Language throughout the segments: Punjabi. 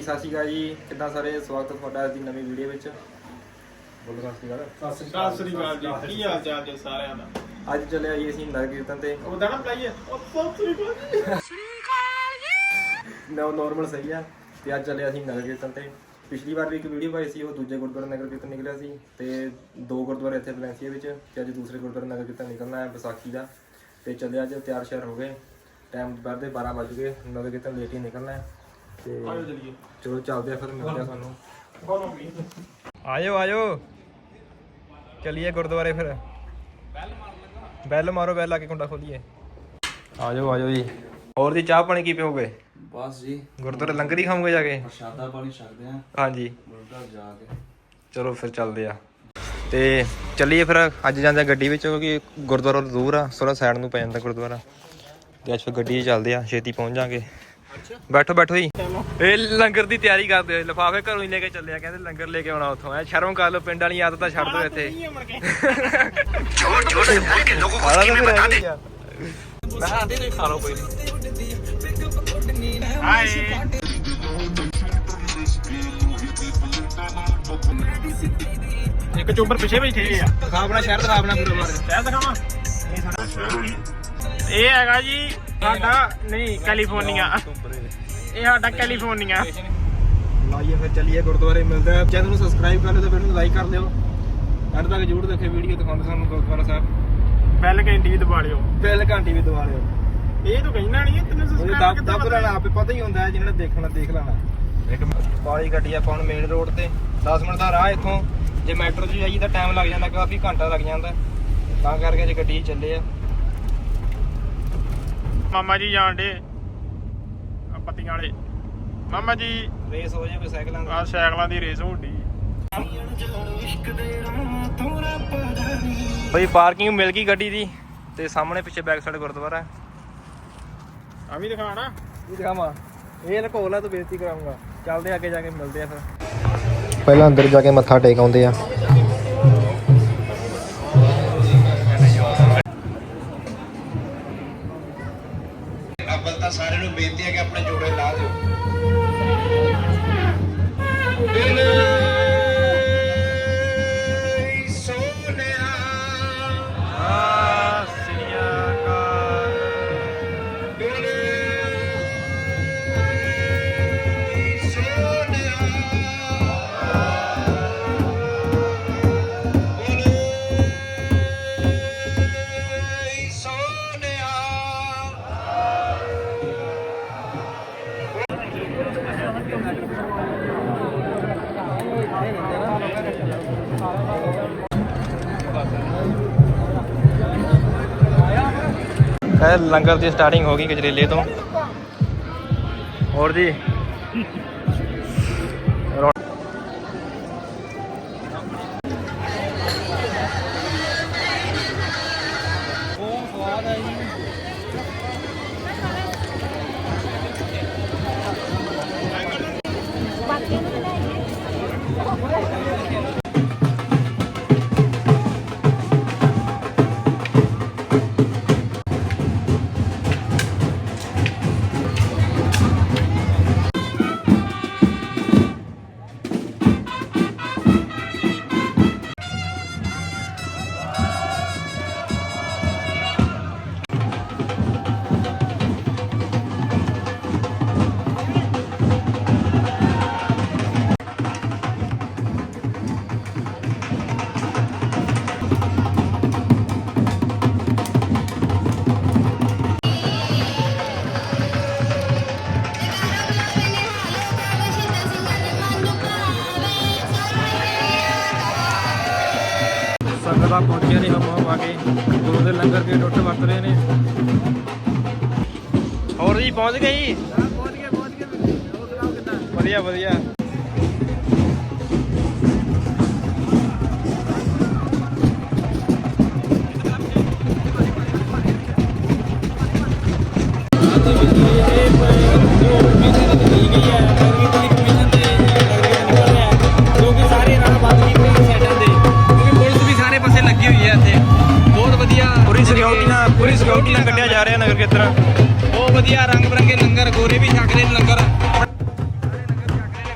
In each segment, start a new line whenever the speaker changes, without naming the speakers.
ਸਤਿ ਸ਼੍ਰੀ ਅਕਾਲ ਜੀ, ਕਿੱਦਾਂ ਸਾਰੇ? ਸਵਾਗਤ ਹੈ ਤੁਹਾਡਾ ਅੱਜ ਦੀ ਨਵੀਂ ਵੀਡੀਓ ਵਿੱਚ। ਬੋਲੋ ਸਤਿ ਸ਼੍ਰੀ ਅਕਾਲ
ਜੀ, ਕੀ ਹਾਲ ਚਾਲ ਜੀ ਸਾਰਿਆਂ ਦਾ?
ਅੱਜ ਚੱਲਿਆ ਜੀ ਅਸੀਂ ਨਗਰ ਕੀਰਤਨ ਤੇ।
ਉਹਦਾ ਨਾ ਪਲਾਈਏ ਸਤਿ ਸ਼੍ਰੀ ਅਕਾਲ ਜੀ।
ਨੋਰਮਲ ਸਹੀ ਆ। ਤੇ ਅੱਜ ਚੱਲਿਆ ਅਸੀਂ ਨਗਰ ਕੀਰਤਨ ਤੇ। ਪਿਛਲੀ ਵਾਰ ਵੀ ਇੱਕ ਵੀਡੀਓ ਪਾਈ ਸੀ, ਉਹ ਦੂਜੇ ਗੁਰਦੁਆਰੇ ਨਗਰ ਕੀਰਤਨ ਨਿਕਲਿਆ ਸੀ ਤੇ 2 ਗੁਰਦੁਆਰੇ ਇੱਥੇ ਵਲੈਂਸੀਆ ਵਿੱਚ, ਤੇ ਅੱਜ ਦੂਸਰੇ ਗੁਰਦੁਆਰੇ ਨਗਰ ਕੀਰਤਨ ਨਿਕਲਣਾ ਹੈ ਵਿਸਾਖੀ ਦਾ। ਤੇ ਚੱਲਿਆ ਅੱਜ ਤਿਆਰ ਸ਼ਿਆਰ ਹੋ ਗਏ, ਟਾਈਮ ਦੁਪਹਿਰ ਦੇ 12 ਵੱਜ ਗਏ, ਨਗਰ ਕੀਰਤਨ ਲੇਟ ਹੀ ਨਿਕਲਣਾ ਹੈ। ਤੇ ਚਲੋ ਚੱਲਦੇ ਆ, ਫਿਰ ਮਿਲਦੇ ਆ ਤੁਹਾਨੂੰ। ਆਜੋ ਚਲਿਏ ਗੁਰਦੁਆਰੇ ਫਿਰ। ਬੈਲ ਮਾਰੋ, ਬੈਲ ਲਾ ਕੇ ਕੁੰਡਾ ਖੋਲੀਏ। ਆਜੋ ਜੀ। ਹੋਰ ਦੀ ਚਾਹ ਪਾਣੀ ਕੀ ਪੀਓਗੇ?
ਬਸ ਜੀ
ਗੁਰਦੁਆਰੇ ਲੰਗਰ ਹੀ ਖਾਓਗੇ ਜਾ ਕੇ?
ਪ੍ਰਸ਼ਾਦਾ ਪਾਣੀ ਛਕਦੇ ਆ। ਹਾਂਜੀ, ਗੁਰਦੁਆਰੇ ਜਾ ਕੇ। ਚਲੋ
ਫਿਰ ਚੱਲਦੇ ਆ। ਤੇ ਚੱਲੀਏ ਫਿਰ। ਅੱਜ ਜਾਂਦੇ ਗੱਡੀ ਵਿੱਚ, ਕਿਉਂਕਿ ਗੁਰਦੁਆਰਾ ਦੂਰ ਆ, ਥੋੜਾ ਸਾਈਡ ਨੂੰ ਪੈ ਜਾਂਦਾ ਗੁਰਦੁਆਰਾ। ਤੇ ਅੱਜ ਫਿਰ ਗੱਡੀ 'ਚ ਚੱਲਦੇ ਆ, ਛੇਤੀ ਪਹੁੰਚ ਜਾਾਂਗੇ। ਬੈਠੋ ਜੀ। ਇਹ ਲੰਗਰ ਦੀ ਤਿਆਰੀ ਕਰਦੇ ਹੋਏ ਲਿਫਾਫੇ ਘਰੋਂ ਹੀ ਲੈ ਕੇ ਚੱਲੇ ਆ, ਕਹਿੰਦੇ ਲੰਗਰ ਲੈ ਕੇ ਆਉਣਾ ਉੱਥੋਂ। ਐ ਸ਼ਰਮ ਕਰ ਲਓ, ਪਿੰਡ ਵਾਲੀ ਆਦਤਾਂ ਛੱਡ ਦਿਓ ਇੱਥੇ। ਖਾ ਲਓ ਕੋਈ।
ਇੱਕ ਚੋਬਰ ਪਿੱਛੇ ਬੈਠੇ ਆ।
ਦਿਖਾ ਆਪਣਾ ਸ਼ਹਿਰ, ਦਿਖਾ ਆਪਣਾ ਪੂਰਾ
ਸ਼ਹਿਰ ਦਿਖਾਵਾਂ। ਇਹ ਹੈਗਾ ਜੀ ਸਾਡਾ ਨਹੀਂ ਕੈਲੀਫੋਰਨੀਆ। ਇਹ ਸਾਡਾ ਕੈਲੀਫੋਰਨੀਆ।
ਲਾਈਏ ਫਿਰ ਚੱਲੀਏ ਗੁਰਦੁਆਰੇ। ਮਿਲਦਾ ਹੈ। ਚੈਨਲ ਨੂੰ ਸਬਸਕ੍ਰਾਈਬ ਕਰ ਲਿਓ ਤੇ ਵੀਡੀਓ ਨੂੰ ਲਾਈਕ ਕਰ ਲਿਓ। ਐਂਡ ਤੱਕ ਜ਼ਰੂਰ ਦੇਖੇ ਵੀਡੀਓ, ਦਿਖਾਉਂਦੇ ਸਾਨੂੰ ਗੁਰਦੁਆਰਾ ਸਾਹਿਬ।
ਬੈਲ ਘੰਟੀ ਵੀ ਦਬਾ ਲਿਓ।
ਬੈਲ ਘੰਟੀ ਵੀ ਦਬਾ ਲਿਓ।
ਇਹ ਤਾਂ ਕਹਿਣਾ ਨਹੀਂ, ਤੈਨੂੰ ਸਬਸਕ੍ਰਾਈਬ
ਦੱਬ ਲੈਣਾ, ਆਪੇ ਪਤਾ ਹੀ ਹੁੰਦਾ ਜਿਹਨਾਂ ਨੇ ਦੇਖਣਾ ਦੇਖ ਲੈਣਾ। ਇੱਕ ਪਾਲੀ ਗੱਡੀ ਆਪਾਂ ਹੁਣ ਮੇਨ ਰੋਡ ਤੇ 10 ਮਿੰਟ ਦਾ ਰਾਹ ਇੱਥੋਂ। ਜੇ ਮੈਟਰੋ 'ਚ ਜਾਈਏ ਤਾਂ ਟਾਈਮ ਲੱਗ ਜਾਂਦਾ, ਕਾਫੀ ਘੰਟਾ ਲੱਗ ਜਾਂਦਾ। ਤਾਂ ਕਰਕੇ ਜੇ ਗੱਡੀ 'ਚ ਚੱਲੇ ਆ।
ਮਾਮਾ ਜੀ ਜਾਣ ਡੇ ਪੱਤੀਆਂ ਵਾਲੇ। ਮਾਮਾ ਜੀ
ਰੇਸ ਹੋ ਜਾਵੇ ਸਾਈਕਲਾਂ ਦੀ।
ਆ ਸਾਈਕਲਾਂ ਦੀ ਰੇਸ ਹੋਣੀ।
ਬਈ ਪਾਰਕਿੰਗ ਮਿਲ ਗਈ ਗੱਡੀ ਦੀ, ਤੇ ਸਾਹਮਣੇ ਪਿੱਛੇ ਬੈਕ ਸਾਈਡ ਗੁਰਦੁਆਰਾ।
ਆ ਵੀ ਦਿਖਾਣਾ।
ਇਹ ਦਿਖਾਵਾਂ? ਇਹ ਲਕੋ ਲਾ, ਤੂੰ ਬੇਇੱਜ਼ਤੀ ਕਰਾਉਂਗਾ। ਚੱਲਦੇ ਅੱਗੇ ਜਾ ਕੇ ਮਿਲਦੇ ਆ ਫਿਰ। ਪਹਿਲਾਂ ਅੰਦਰ ਜਾ ਕੇ ਮੱਥਾ ਟੇਕ ਆਉਂਦੇ ਆ। ਅੱਬਲ ਤਾਂ ਸਾਰਿਆਂ ਨੂੰ ਬੇਨਤੀ ਹੈ ਕਿ ਆਪਣੇ ਜੋੜੇ ਲਾ ਦਿਓ। ਲੰਗਰ ਦੀ ਸਟਾਰਟਿੰਗ ਹੋ ਗਈ ਗਜਰੇਲੇ ਤੋਂ। ਹੋਰ ਜੀ ਸੰਗਤਾਂ ਪਹੁੰਚੀਆਂ ਨੇ ਹਵਾ ਆ ਕੇ। ਗੁਰੂ ਦੇ ਲੰਗਰ ਦੇ ਟੁੱਟ ਵਰਤ ਰਹੇ ਨੇ। ਹੋਰ ਜੀ ਪਹੁੰਚ ਗਏ ਜੀ? ਪਹੁੰਚ ਗਏ। ਵਧੀਆ। ਪੂਰੀ ਸਿਕਿਉਰਿਟੀ ਨਾਲ ਕੱਢਿਆ ਜਾ ਰਿਹਾ ਨਗਰ ਕੀਰਤਨ। ਬਹੁਤ ਵਧੀਆ, ਰੰਗ ਬਰੰਗੇ ਲੰਗਰ, ਗੋਰੇ ਵੀ ਛਕ ਰਹੇ ਨੇ ਲੰਗਰ।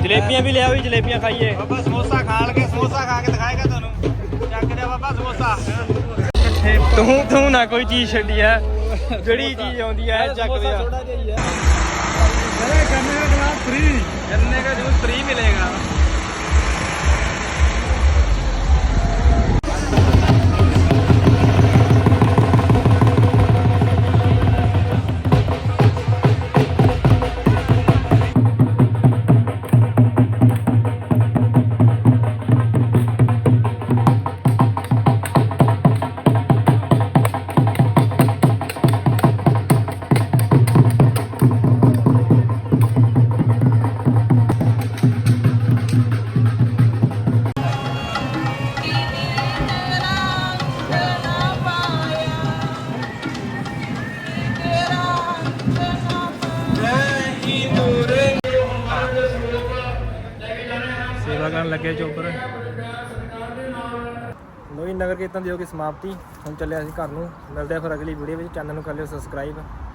ਜਲੇਬੀਆਂ ਵੀ ਲਿਆਓ ਜੀ, ਜਲੇਬੀਆਂ ਖਾਈਏ। ਬਾਬਾ ਸਮੋਸਾ ਖਾ ਕੇ ਦਿਖਾਏਗਾ ਤੁਹਾਨੂੰ। ਚੱਕ ਦੇ ਬਾਬਾ ਸਮੋਸਾ। ਤੂੰ ਨਾ ਕੋਈ ਚੀਜ਼ ਛੱਡੀ ਐ, ਜਿਹੜੀ ਚੀਜ਼ ਆਉਂਦੀ ਐ ਚੱਕ ਦੇ। गन्ने का जूस फ्री मिलेगा। ਸੇਵਾ ਕਰਨ ਲੱਗੇ ਚੋਪਰ।
ਲੋਈ ਨਗਰ ਕੀਰਤਨ ਦੀ ਹੋ ਗਈ ਸਮਾਪਤੀ। ਹੁਣ ਚੱਲੇ ਅਸੀਂ ਘਰ ਨੂੰ। ਮਿਲਦੇ ਆ ਫਿਰ ਅਗਲੀ ਵੀਡੀਓ ਵਿੱਚ। ਚੈਨਲ ਨੂੰ ਕਰ ਲਿਓ ਸਬਸਕ੍ਰਾਈਬ।